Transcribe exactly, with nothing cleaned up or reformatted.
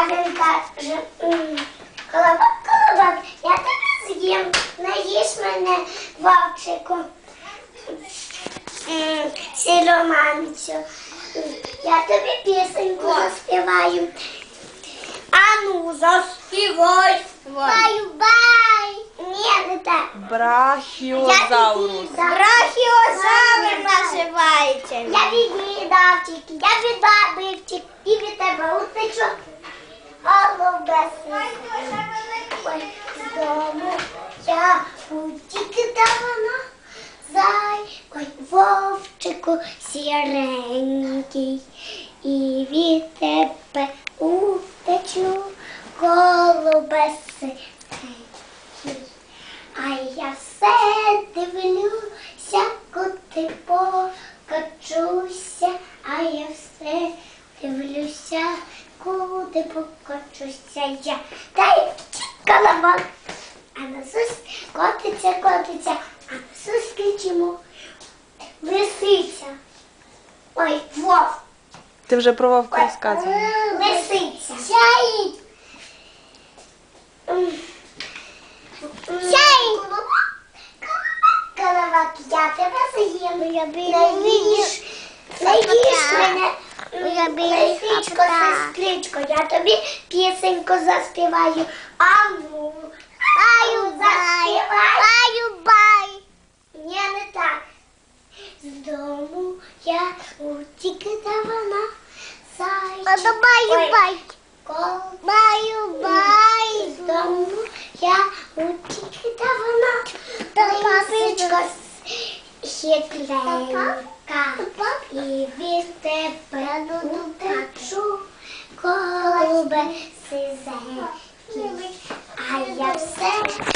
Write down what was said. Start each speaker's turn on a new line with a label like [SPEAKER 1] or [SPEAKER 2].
[SPEAKER 1] А він каже, колобок, колобок, я тебе з'їм, наїж мене, вовчику, сіроманцю. Я тобі пісеньку заспіваю. Ану, заспівай. Баю-бай. Ні, не так.
[SPEAKER 2] Брахіозаврус.
[SPEAKER 1] Брахіозавр називається. Я від'їдав тільки, я віддав втік, і від тебе утечу. Голубеси. Ой, з дому я утік давно. Зай, ой, вовчику сіренький, і від тебе утечу, голубеси. А я все дивлюся, куди покочуся, а я все дивлюся, куди покочуся я. Дай колобок, а насусь котиться, котиться, а насусь кричимо. Лисиця. Ой, вовк.
[SPEAKER 2] Ти вже про вовка розказувала.
[SPEAKER 1] Лисиця. Сяїть. Сяїть. Колобок, я тебе з'їм. Наїж, наїж мене. Лисичко, сестричко, я тобі пісеньку заспіваю. Ану, заспівай. Баю-бай. Ні, не так. З дому я утік давно. Зайчик. Баю-бай. Баю-бай. З дому я утік давно. Лисичко хитленька. І від тебе утечу, голубе сизенький. А я все